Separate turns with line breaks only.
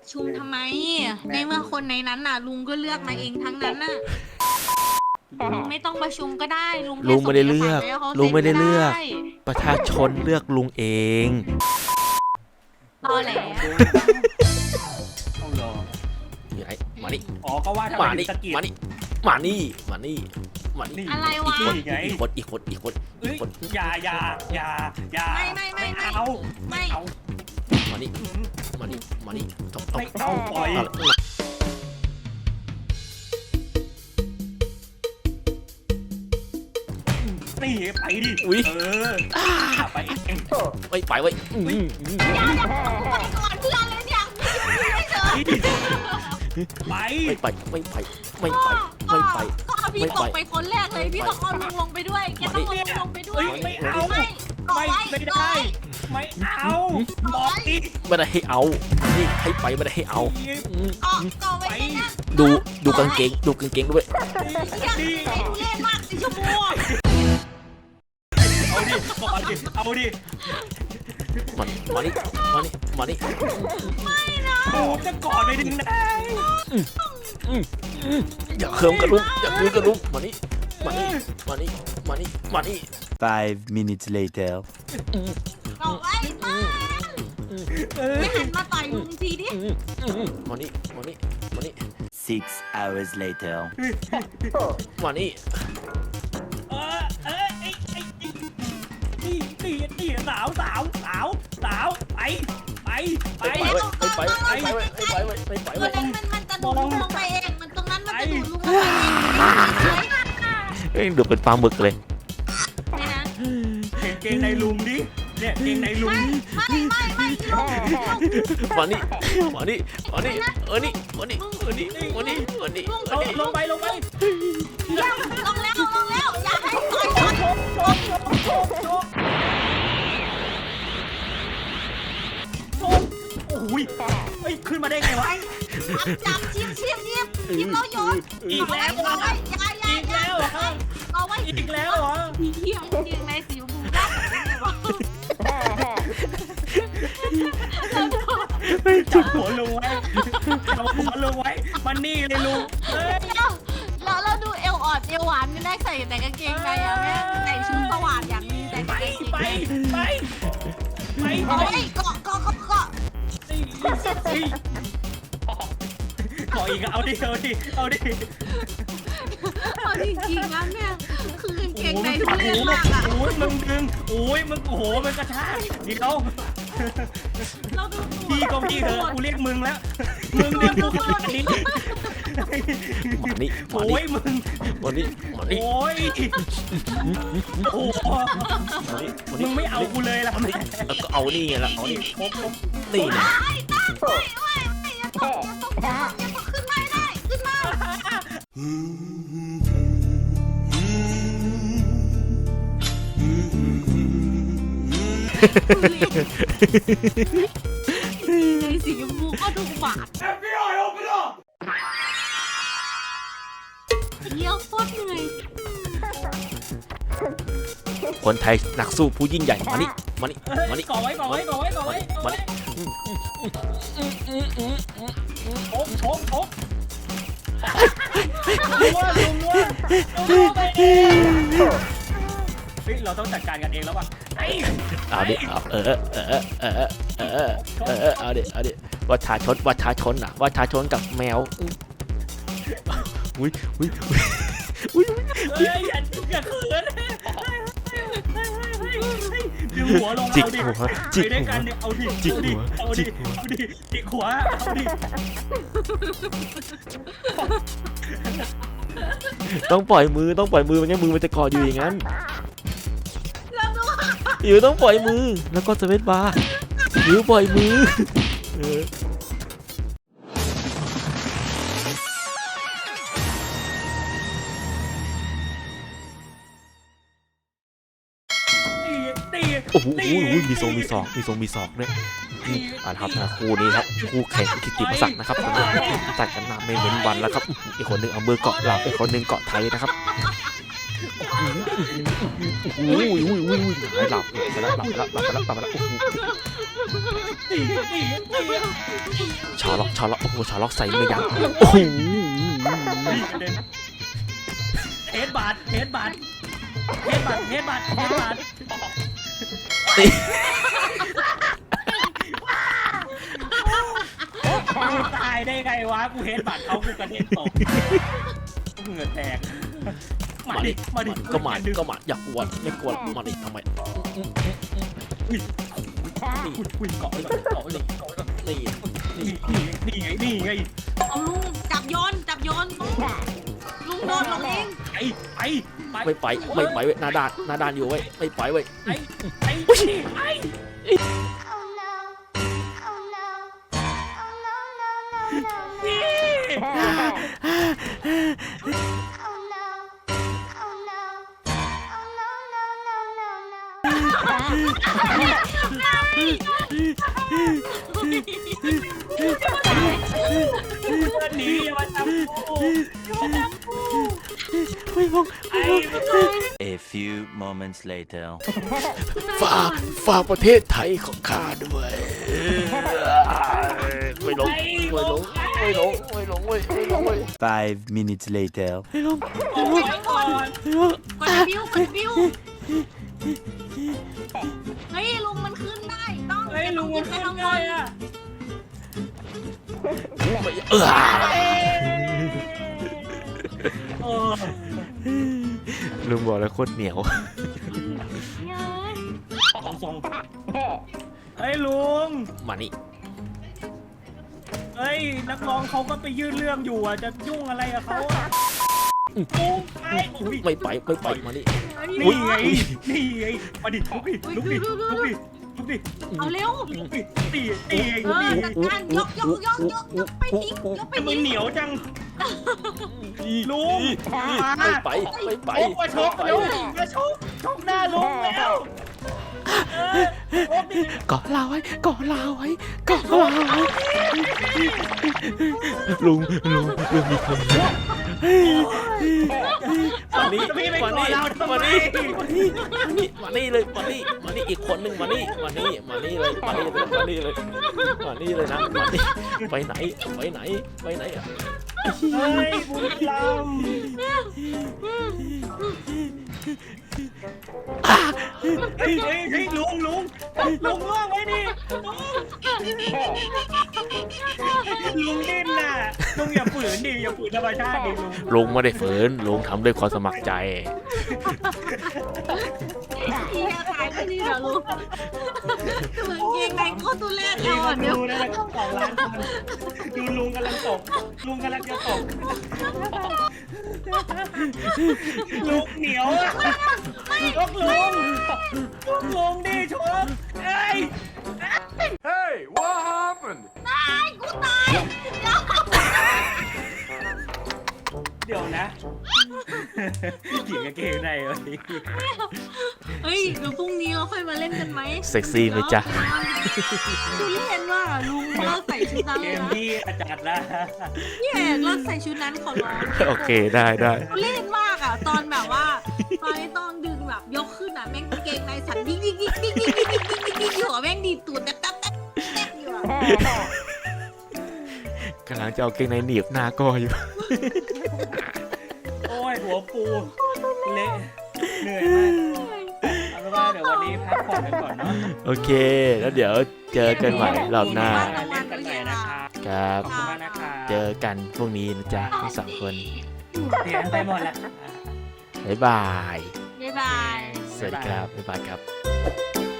ชุมทำไมในเมื่อคนในนั้นน่ะลุงก็เลือกมาเองทั้งนั้นน่ะลุงไม่ต้องประชุมก็ได้ลุง
ลุงไม่ได้เลือก
แค่ส่ง
ลุงไม่ได้เลือก
ได้
ประชาชนเลือกลุงเอง
ตอแหล
เอาเหรอ
นี่ไอ้มานี่
อ๋อก็ว่าทำ
มา
ไม
นี่
ตะกี้
มานี่มานี่มานี่มานี่
อะไรวะ
นี่ไง
อีกคนอีกคนอีกคน
เอ้
อี
ย
กคน
อย่า
ไม่
เอา
ไม่
เอา
มานี่มานี่มานี่ตบตบ
ไม่เอาปล่อยนี่ไปดิไปเอง
ไม่ไปไว้
ไปก่อนเพื่อนเลยเนี่ยไม่เจอ
ไป
ไม่ไปไม่ไปไม่ไปไม่ไป
ก็เอาพี่ตกไปคนแรกเลยพี่ต้องเอาลุงลงไปด้วยแกต้องเอาลุงลงไปด้วย
ไม่เอา ไม่ได้ ไม่เอาบอกอีก
ไม่ได้ให้เอานี่ให้ไปไม่ได้ให้เอา
ก็ไว้นะ
ดูกางเกงด้วย
เล่นมากสีชมพู
เอาดิก่อนดิเอาดิ
มานี่
โอ้จะกอดไปถึงไหน
อย่าเคิมกระลุกอย่าเคิมกระลุกมานี่
5 minutes later
ก็ไว้มาไม่หันมาต่อยลุงทีดิ
มานี่
6 hours later
มานี่
นี่สาวไป
ตัวนั้นมันจะดูลุงลงไปเองมันตรงนั้นมันจะดูลุงลงไปเอง
เอ้ยดูเป็นปลาหมึกเลย
นี่นะ
เห็นเกงในลุงดิเนี่ยเกงในลุง
ไม่ลุง
มานี่
ลงไป
ลงแล้วอย่าให้ต่อยก่อน
โอ้ยขึ้นมาได้ไงวะ
จับชิมเราโยน
อีกแล้ว
เอาไว้อย่า เอาไว้
อีกแล้วเหรอ
พี่เที่ยงจริงในสิวบูได้
จับหัวลุงไว้มันนี่เลยลุง
เราดูเอวอ่อนเอวหวานไม่ได้ใส่แต่กางเกงในอะแม่ใส่ชุดสว่านอย่างนี้แต่
ไป
เกาะ
ขออีกเอาดิ
เอาจริงๆนะเนี่ยคือกางเกงในทุเรศมากอะ
โอ้ยมึงดึงโอ้ยมึงโอ้โหมันกระชากเดี๋ยว
เราดู
พี่ก็พี่เถอะกูเรียกมึงแล้วมึงดึงกูขนาดนี้โอ้ยมึงโอ้ยโอ้มึงไม่เอากูเลยล่ะ
ก็เอานี่ไงล่ะเอานี่
ผม
นี่นะ
ขึ้นมาได้ขึ้นมาในสีชมพูก็ดูบาดเยี่ยวโคตรเหนื่อย
คนไทยนักสู้ผู้ยิ่งใหญ่มานี่
ก่อไว้โชกเราต้องจัดการกันเองแล้วป่ะ
เอาดิเอาเอาดิประชาชนกับแมวอุ้ย
อย่าเขินดึงหัวลง
จิก
เอาดิ
หัว
ไปด้วยกันเนี่ยเอาดิจิกหัวเอาดิ
ต้องปล่อยมือไม่งั้นมือมันจะเกาะอยู่อย่างนั้นต้องปล่อยมือแล้วก็สเวตบาร์ปล่อยมือโอ้โหมีทรงมีศอกเนี่ยครับนะคู่นี้ครับคู่แข่งกิตติมศักดิ์นะครับจัดกันมาไม่เว้นวันแล้วครับอีกคนหนึ่งเอามือเกาะหลับอีกคนหนึ่งเกาะไทยนะครับหลับไปแล้วชอล็อกโอ้โหชอล็อกใส่ไม่ยั้งโอ้โห
เทสบาทกูตายได้ไงวะกูเฮดบัตรเขากูกระเด็นตกเหงื่อแตกมาดิ
ก็มาอยากกวนไม่กวนมาดิทำไม
อุ้ยเกาะนี่ไง
เอาลุงจับโยนลุงโดนลงเอง
ไม่ไปเว้ยหน้าด้านอยู่เว้ยไม่ไปเว้ย
ไอ้
Oh no. Oh no. Oh no, no, no, no.
นี่
Oh no. Oh no. Oh no, no, no, no, no.
หนีอย่ามาจับกู
ไม่ลง
A few moments later.
ฝากประเทศไทยของข้าด้วยไม่ลงเว้ย
5 minutes later.
ไม่ลง
ออกไปก่อน
กดบิวเฮ้ยลุงมันขึ้นได้ต้อง
เฮ้ยลุงมัน
ไป
ขึ้น
ทางบ
ได้
น
อะ
ลุงบอกแล้วโคตรเหนียว
ส่งเฮ้ยลุง
มานี่
เฮ้ยนักร้องเขาก็ไปยื่นเรื่องอยู่อ่ะจะยุ่งอะไรกับเขาอ่ะลุง
ไม่ไปมานี่
นี่ไงมาดิลุกดิ
เอาเร็ว
ตี
จัดการยกไปทิ้งยกไป
มัน
ทิ้ง
เหนียวจังลุง
ไม่ไป
มาชกเร็วมาชกหน้าลุงแล้ว
ก่อลาไว้ลุงมีคนมานี่เลยมานี่อีกคนนึงมานี่เลยนะไปไหนอ่ะ
เฮ้ยบุญลำเฮ้ยลุงว่างไว้ดิลุงดิ้นน่ะลุงอย่าฝืนธรรมชาติดิลุง
ไม่ได้ฝืนลุงทำด้วยความสมัครใจ
เฮียตายที่นี่เหรอลุงเหมือนเกงในโคตรตุเล่นเลยเดี๋ยว
ดูนะ2 ล้านคนดูลุงกำลังจะตกลุงเหนียวอ่ะชกลุงดิชกเฮ้ย
Hey, what happened?
กูตาย
เดี๋ยวนะหญิงกับเกงในวะนี่
เฮ้ยเดี๋ยวพรุ่งนี้เราค่อยมาเล่นกันไหม
เซ็กซี่ไหมจ๊ะ
ดูเล่นว่าลุงเลิกใส่ชุดนั้น
เก
เลย
ม
นะ
ที่อาจารย์นะ
พี่เอกเลิกใส่ชุดนั้นขอร้อง
โอเคได้
ดูเล่นมากอ่ะตอนแบบว่าตอนที่ต้องดึงแบบยกขึ้นอ่ะแม่งเกงในสั่นยิ่งอยู่อ่ะแม่งดีดตูดแต๊บอยู่อ่ะ
กำลังจะเอาเกงในหนีบหน้าก็อยู่
โอ้ยหัวปูเละเหนื่อยมากเอาเป็นว่าเดี๋ยววันนี้พักผ่อนกันก่อนเนาะ
โอเค แล้วเดี๋ยวเจอกันใหม่รอบหน้า
เล่นกันใหม่นะครับ
ครับ
ขอบคุณมากนะครับ
เจอกันพรุ่งนี้นะจ๊ะทั้งสองคน
เสียงไปหมดแล้ว
บ๊ายบาย
บ๊ายบาย
สวัสดีครับบ๊ายบายครับ